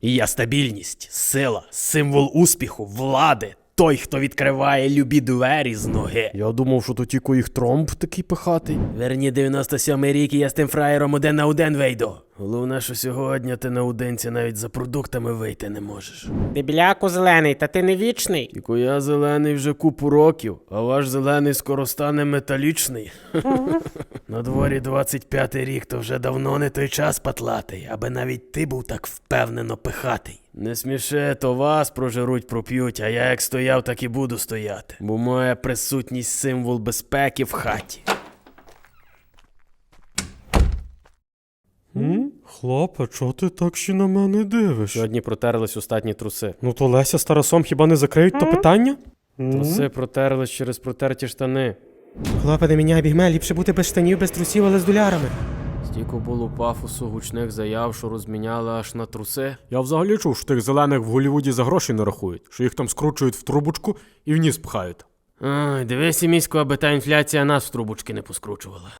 І я стабільність, сила, символ успіху, влади. Той, хто відкриває любі двері з ноги. Я думав, що то тільки їх Тромп такий пихатий. Верні 97-й рік, і я з тим фраєром один на один вийду. Головне, що сьогодні ти наодинці навіть за продуктами вийти не можеш. Дебіляку зелений, та ти не вічний. Тільки я зелений вже купу років, а ваш зелений скоро стане металічний. На дворі 25-й рік, то вже давно не той час патлатий, аби навіть ти був так впевнено пихатий. Не сміши, то вас прожируть, проп'ють, а я як стояв, так і буду стояти. Бо моя присутність символ безпеки в хаті. Хлопе, чого ти так ще на мене дивиш? Сьогодні протерлись остатні труси. Ну то Леся з Тарасом хіба не закриють то питання? Труси протерлись через протерті штани. Хлопе, не міняй бігме, ліпше бути без штанів, без трусів, але з долярами. Стільки було пафосу, гучних заяв, що розміняли аж на труси. Я взагалі чув, що тих зелених в Голлівуді за гроші не рахують, що їх там скручують в трубочку і в ніс пхають. Ой, дивись, місько, аби та інфляція нас в трубочки не поскручувала.